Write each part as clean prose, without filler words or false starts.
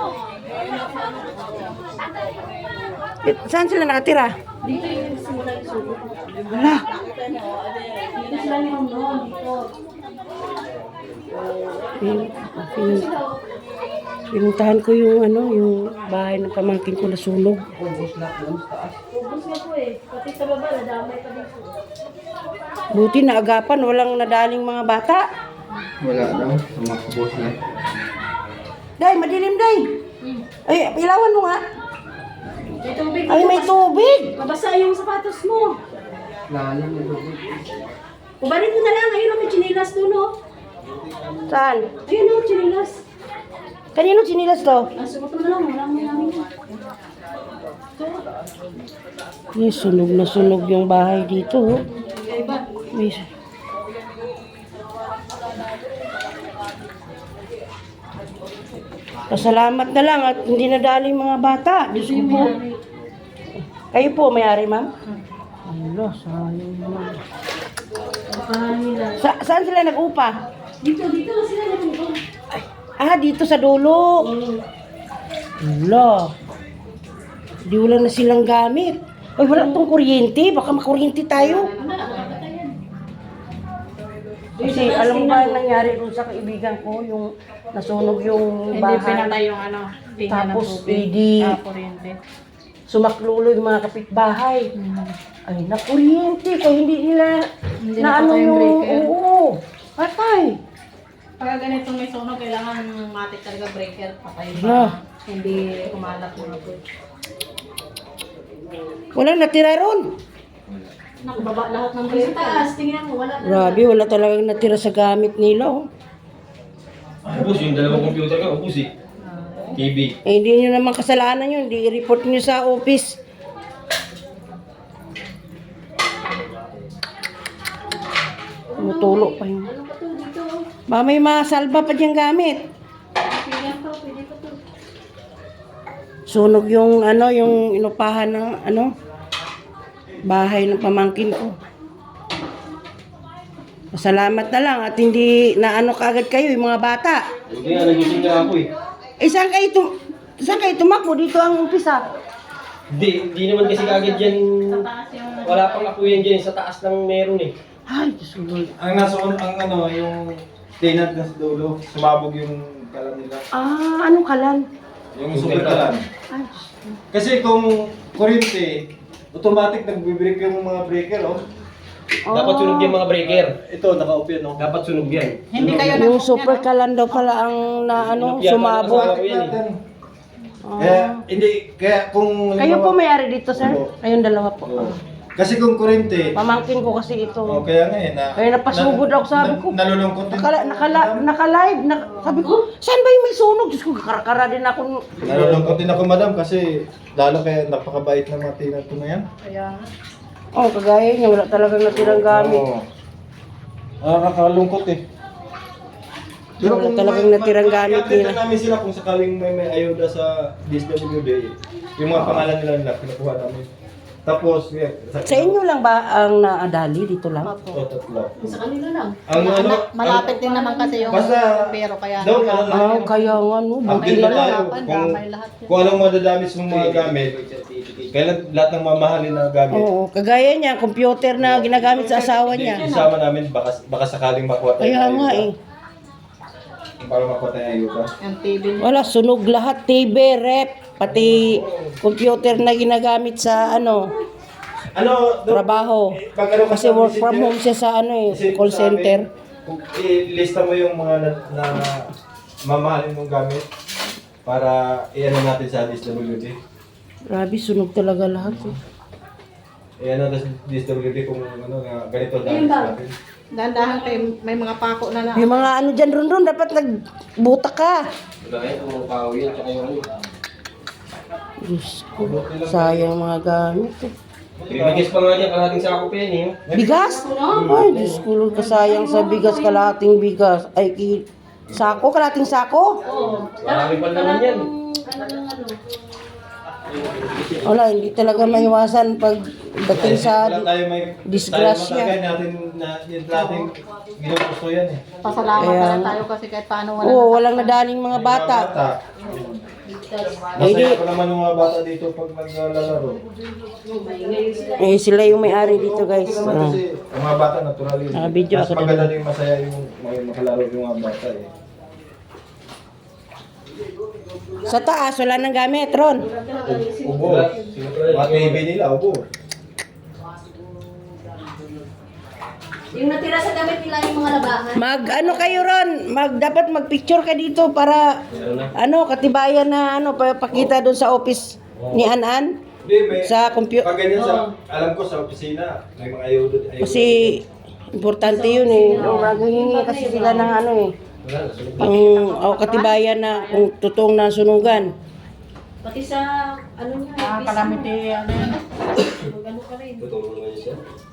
Saan sila nakatira? Dito yung simula yung sugo. Wala. Dito sila yung noon, dito. Pinuntahan ko yung yung bahay ng pamangkin ko na sunog. Ubus na po eh. Pati sa baba, nadamay pa dito. Buti na agapan, walang nadaling mga bata. Wala daw, sumakbos na. Day, madilim day. Ay, ilawan mo nga. May tubig. Ay, may tubig. Mabasa yung sapatos mo. Lalim na doon. Ubarin mo na lang. Ayun, may chinilas doon, oh. Saan? Ayun, oh, chinilas. Kanino sinilas to? Suot mo na lang. Wala mo namin. May sunog na sunog yung bahay dito. Oh. Kaya ba? May... Pasalamat na lang at hindi nadali mga bata. Diyos ko po. Kayo po, may-ari, ma'am? Allah, sayang naman. Nila. Saan sila nag-upa? Dito sila nag-upo. Ah, dito sa dulo. Allah. Di wala na silang gamit. Ay, wala tong kuryente. Baka makuryente tayo. Kasi alam mo ba ang nangyari doon sa kaibigan ko, yung nasunog yung bahay. Hindi pinatay yung ano, linya ng Tapos, tubig. hindi Kuryente. sumaklulo yung mga kapitbahay. Ay, nakuryente. Kaya hindi nila Hindi na napatay yung breaker. Oo, patay. Pagka ganitong may sunog, kailangan matik talaga breaker. Patay Yeah. pa. Hindi kumalat mga po. Walang natira ron. Nakababa lahat ng Sa breaker. taas, tingnan mo. Wala na. Grabe, wala talagang natira sa gamit nila. Oh. Ubus yung dalawang computer ka, ubus eh. TV. Eh, hindi nyo naman kasalanan yun. Hindi i-report nyo sa office. Tumutulo pa yun. Ano ba to dito? Ba, may masalba pa diyang gamit. Pilihan to, pwede pa to. Sunog yung yung inupahan ng bahay ng pamangkin ko. Salamat na lang at hindi na kagad kayo yung mga bata. Hindi nga, nagising na ako eh. Eh, saan kayo tumakbo? Dito ang umpisa. Hindi naman kasi kagad yan. Wala pang ako yan dyan, sa taas lang meron eh. Ay, Diyos ko. Ang yung tenant na sa dulo, sumabog yung kalan nila. Ah, anong kalan? Yung super kalan. Ay, Diyos ko. Kasi kung kuryente, automatic nagbe-break yung mga breaker, oh. Dapat sunog yung mga breaker. Ito, naka-off yan, oh. Dapat sunog yan. Hindi kayo Yung super kalan daw pala ang sumabog. Automatic natin. Kaya kung... Kayo po may-ari dito, sir? Opo. Kayong dalawa po. Oo. Kasi kung kuryente, Pamangkin ko kasi ito. kaya nga eh, Kaya napasugod ako, sabi ko. Nalulungkot din. Naka-live. Sabi ko, saan ba yung may sunog? Diyos ko, karakara din ako. Nalulungkot din ako, madam, kasi lalo kaya napakabait ng mga tenant ko na yan. Kaya nga. Oh, kagaya niya, wala talagang natirang gamit. Oo. Nakakalungkot eh. Wala talagang natirang gamit i-update nila. na namin sila kung sakaling may ayuda sa DSWD, yung mga pangalan nila kinukuha namin. Tapos, Sa inyo lang ba ang naadali dito lang? tatlo. Sa kanila lang. Ang Malapit din naman kasi yung Basta, pero kaya daw, Ah, kaya nga no, buti update na na lang. tayo damay lahat yun. kung anong madadamit sa mga gamit. Kailan lahat ng mamahalin na gamit. Oo, kagaya niya, computer na ginagamit sa asawa niya. Isama namin, baka sakaling makuha tayo. Kaya ng nga ayuda. Para makuha tayo ng ayuda. Yung TV niya. Wala, sunog lahat, TV, rep, pati computer na ginagamit sa trabaho. Pag ano Kasi work from home siya sa call center. Ilista mo yung mga na mamahalin mong gamit para i-ano natin sa DSWD. Grabe, sunog talaga lahat. I-ano natin sa DSWD kung nga ganito Ayun damage ba? natin. Dahan-dahan kayo, may mga pako na Yung mga dyan ron, dapat nagbuta ka. Wala yan, kung pao yan, tsaka yung ano. Diyos ko, sayang mga gamit. Bibigis pa nga dyan, kalahating sako pa yan eh. Bigas? Ay, Diyos ko, kasayang sa bigas, kalahating bigas. Ay, sako, kalahating sako? Marami pa naman yan. Wala, hindi talaga maiwasan pag dating sa Wala tayo may disgrasya. tayo natin na yung natin ginugusto yan eh. pasalamat Kaya na lang nga. tayo kasi kahit paano wala Oo, walang nadaling mga bata. Masaya pa naman yung mga bata dito pag naglalaro. Eh, sila yung may-ari dito, guys. Ah. Kasi ang mga bata natural yun. Nakabidyo Mas ako maganda doon. din masaya yung makalaro yung mga bata eh. Sa taas, wala nang gamit, Ron. Ubo. Mga TV nila, ubo. Yung natira sa gamit nila yung mga labahan. Ano kayo, Ron? Dapat mag-picture ka dito para, katibayan na, pakita doon sa office ni Anan. Hindi, may... Sa computer. Pag ganyan alam ko sa opisina, may mga ayudo. Kasi, importante yun eh. Maghihingi kasi sila ng katibayan na kung totoong nasunugan. Pati sa, niya, Calamity, ano yun. mag-ano ka rin. Tutulong naman siya.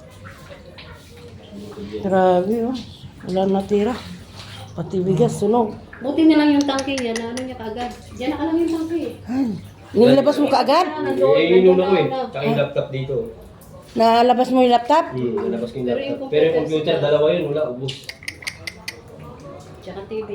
Grabe, oh. Wala natira. Pati bigas, sunog. Buti na lang yung tangke niya, na ano niya kaagad. Diyan nakalagay yung tangke eh. Nilabas mo kaagad? Inuna ko eh. Tsaka yung laptop dito. Nalabas mo yung laptop? Nalabas ko yung laptop. Pero yung computer, dalawa yun, wala, ubos. Tsaka TV.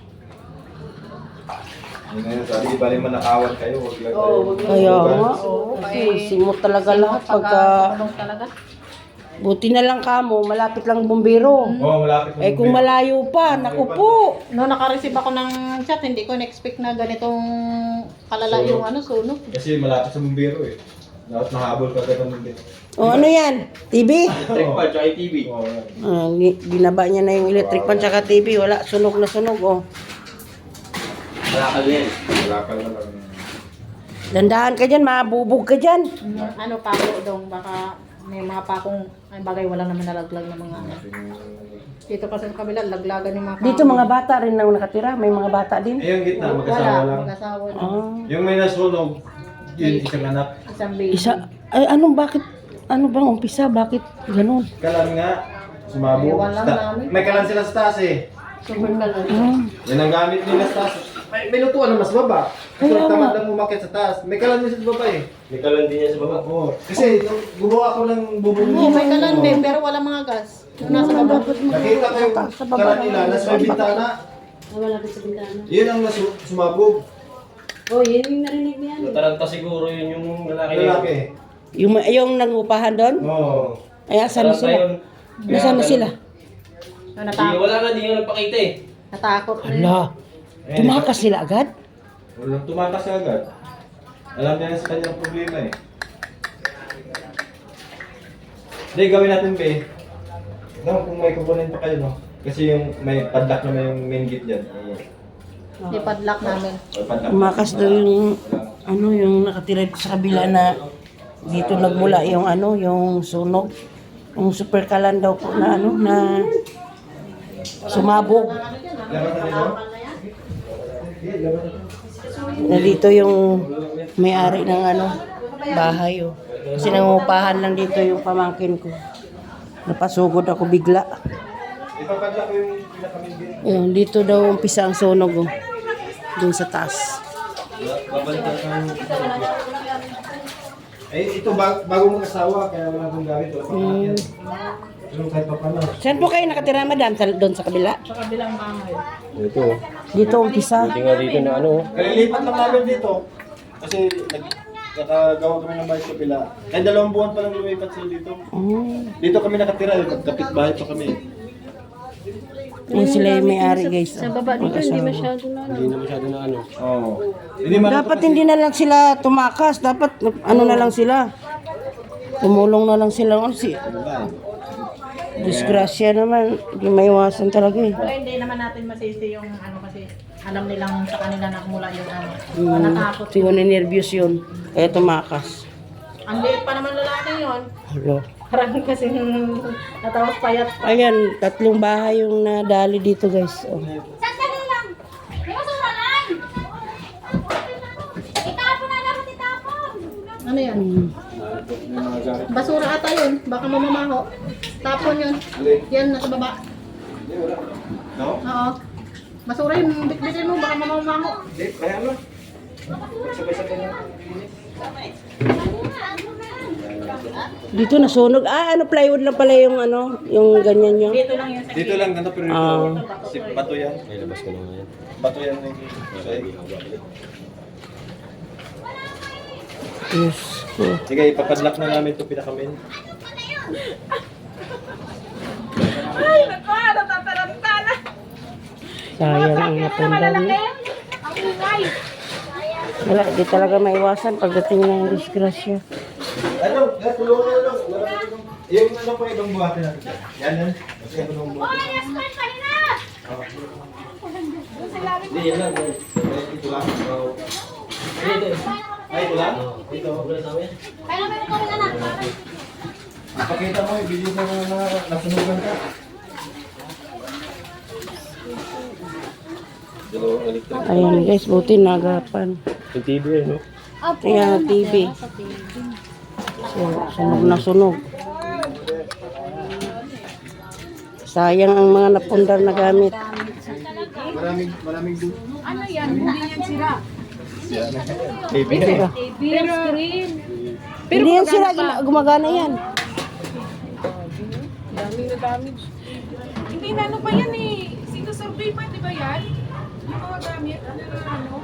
Ngayon, sabi, di bali manakawan kayo, huwag lang kayo. Kaya nga. Kasi simot talaga lahat pagka... Sunog talaga. Buti na lang kamo, malapit lang bumbero. Oo, malapit Eh kung malayo pa, naku po. No, naka-receive ako ng chat, hindi ko na-expect na ganitong kalala yung sunog. Kasi malapit sa bumbero eh. Dapat mahabol ka ka ng bumbero. O ano yan? TV? Electric fan, tsaka yung TV. Oo, yan. Binaba niya na yung electric pan tsaka TV. Wala, sunog na sunog. Oh. Malakal yan. Malakal na lang. Dandahan ka dyan, mabubog ka dyan. Ano, pako dong, baka may mga pakong, ay bagay, wala naman nalaglag ng mga Dito kasi sa kabila, laglagan yung mga pako. Dito mga bata rin na nakatira. May mga bata din. Eh, yung gitna, Wala, magkasawa lang. mag-asawa lang. Ah. Yung may nasunog, yun isang anak. Isang baby. Isa, ay bakit, ano bang umpisa? Bakit ganun? Kalan nga, sumabo. Ewan lang namin. May kalan sila sa taas eh. Super kalan. Ah. Yan ang gamit nila sa taas. May lutuan na mas baba. Kasi Kaya tamad nga. lang umakit sa taas. May kalan din sa baba eh. May kalan din niya sa baba. Oo. Kasi nung gumawa ko ng bubong Oo, may kalan din, pero wala mga gas. Yung nasa baba. Nakita ko yung Sa baba kalan ng- nila, nasa may bintana. Wala din sa bintana. Yun ang sumabog. Oh, yun yung narinig niya. Nataranta siguro yun yung lalaki na yun. Lalaki. Yung nangupahan doon? Oo. Ay, asan na Nataranta sila? yun. Nasaan na sila? Di, wala na, di nga nagpakita eh. Natakot na yun. Hala, tumakas sila agad? Walang tumakas siya agad. Alam niya sa kanyang problema eh. Hindi, gawin natin be. No, kung may kukunin pa kayo, no? Kasi yung may padlock naman yung main gate dyan. Ipadlock namin. May padlock. Tumakas daw yung, yung nakatira sa kabila na dito nagmula yung yung sunog. Yung super kalan daw po na na sumabog. Laban na nito? Hindi, laban na. Na dito yung may-ari ng bahay. Oh. Kasi nangupahan lang dito yung pamangkin ko. Napasugod ako bigla. Ipapadlock ko yung pinaka-main gate. Ayun, dito daw umpisa ang sunog. Oh. Doon sa taas. Babalikan ka. Eh, ito bago mag-asawa, kaya wala akong gamit. Wala pang akin. Pero kahit pa paano. Saan po kayo nakatira, madam? Doon sa kabila? Sa kabilang bahay. Ito. Dito umpisa. Tingnan dito na Kalilipat lang namin dito. Kasi nakagawa kami ng bahay sa pila. Kahit 2 buwan pa lang lumipat sila dito. Dito kami nakatira, kapit bahay pa kami. Yan sila yung may-ari, guys. Sa baba dito, hindi masyado na. Hindi na masyado na Oo. Dapat hindi na lang sila tumakas. Dapat na lang sila. Tumulong na lang sila. Disgrasya naman. Hindi maiwasan talaga eh. Pero hindi naman natin masisi yung kasi alam nilang sa kanila na mula yung natakot. Siguro nervyos yun. Kaya tumakas. Ang liit pa naman lalaki yun. Hello. Parang kasi natawas payat. Ayan, 3 bahay yung nadali dito, guys. Oh. Sandali lang! May basura lang! Itapon na dapat itapon! Ano yan? Basura ata yun. Baka mamamaho. Tapon yun. Yan, nasa baba. No? Oo. Basura yun. Bitbitin mo. Baka mamamaho. Hindi, kaya ano? Sabay-sabay lang. Dito nasunog. Plywood lang pala yung yung ganyan nyo. Dito lang yun sa Dito lang, ganito pero Ah. si bato yan. May labas ko na yan. Bato yan. Yes ko. Sige, ipapadlock na namin ito pinakamin. Sayang ang napundar niya. Wala, di talaga maiwasan pagdating ng disgrasya. Ano? Tulungan na lang. Yung ano pa ibang buhati natin. Yan. Kasi ano nung buhati. Oy, Aspen, kanina! Hindi, yan lang. Ito lang. Ito. Ay, ito lang? Ito, wala sa amin. Kaya meron kami na lang. Pakita mo yung video sa mga nasunugan ka. Ayan guys, buti nagapan. Yung TV, no? Ayan, TV. So, sunog na sunog. Sayang ang mga napundar na gamit. Maraming do. Ano yan? Hindi yan sira. Baby. Sira. Pero screen. Hindi yan sila, gumagana yan. Daming na damage. Hindi na ano pa yan eh. Sinusurvey pa, di ba yan? Yung mga gamit, ano na ano?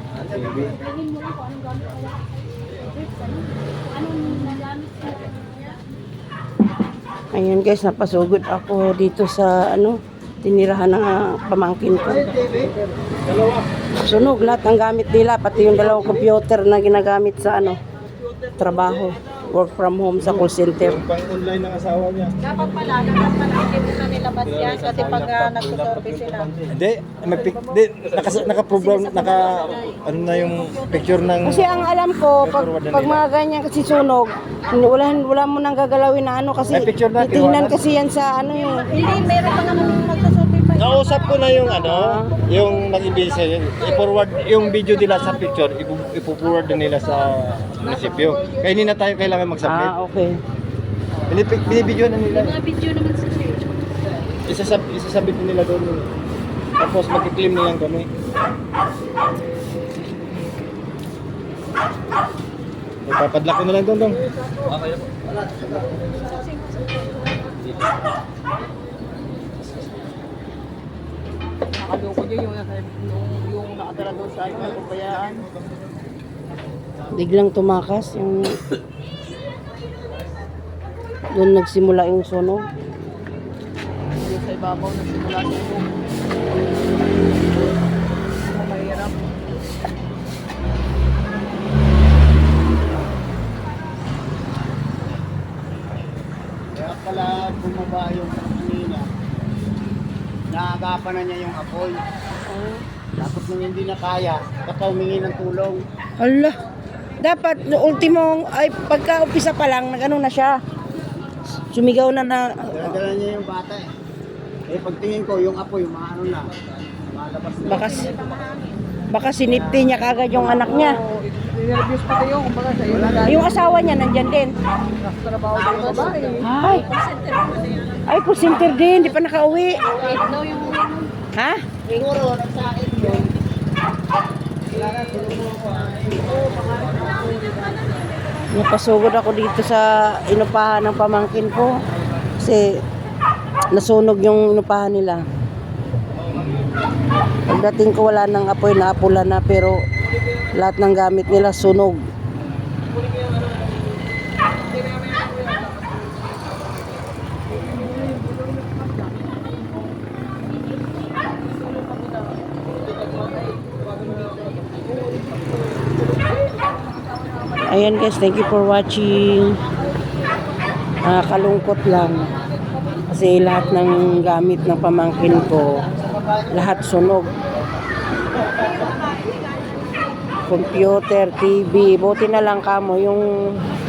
Ayan guys, napasugod ako dito sa tinirahan ng pamangkin ko. Sunog lahat ng gamit nila, pati yung dalawang computer na ginagamit sa trabaho. Work from home sa call center. Pang-online ng asawa niya. Dapat pala hindi na nilabas yan kasi pag nagsusurvey sila. Hindi, naka-program, ano na yung picture ng... Kasi ang alam ko, pag mga ganyan kasi sunog, wala mo nang gagalawin na kasi May picture na, titingnan kinuha na. kasi yan sa Hindi, meron pa naman yung magsusurvey pa. Nausap ko na yung yung nag-ibig i-forward yung video nila sa picture, ipo-forward din nila sa munisipyo. Kaya hindi na tayo kailangan mag-submit. okay. Binibidyo na nila. Mga video naman sa Isasabit nila doon. Tapos mag-claim nilang kami. Ipapadlock ko na lang doon. Okay na po. Nakaloko dyan yung nakatara doon sa kabayaan. Biglang tumakas yung doon nagsimula yung sunog. Yung sa ibabaw na simula sa iyo. Mahirap. Kaya pala bumaba yung kanina. Naagapan na niya yung apoy. Tapos nung hindi na kaya, baka humingi ng tulong. Ala, dapat ultimo ay pagka-umpisa pa lang nagano na siya. Sumigaw na Dala niya yung bata eh. Eh pagtingin ko, yung apoy, maano na. Malabas na. baka sinipti niya kagad yung anak niya. Nervous pa kayo kumbaga sa iyo. Yung asawa niya nandyan din. Trabaho ng babae. Ay, call center din, di pa nakauwi. Ito yung Ha? Siguro, nagsain yun. Napasugod ako dito sa inupahan ng pamangkin ko. Kasi nasunog yung inupahan nila. Pagdating ko wala nang apoy, naapula na pero lahat ng gamit nila sunog. Ayan guys, thank you for watching. Kalungkot lang. Kasi lahat ng gamit ng pamangkin ko, lahat sunog. Computer, TV, buti na lang kamo yung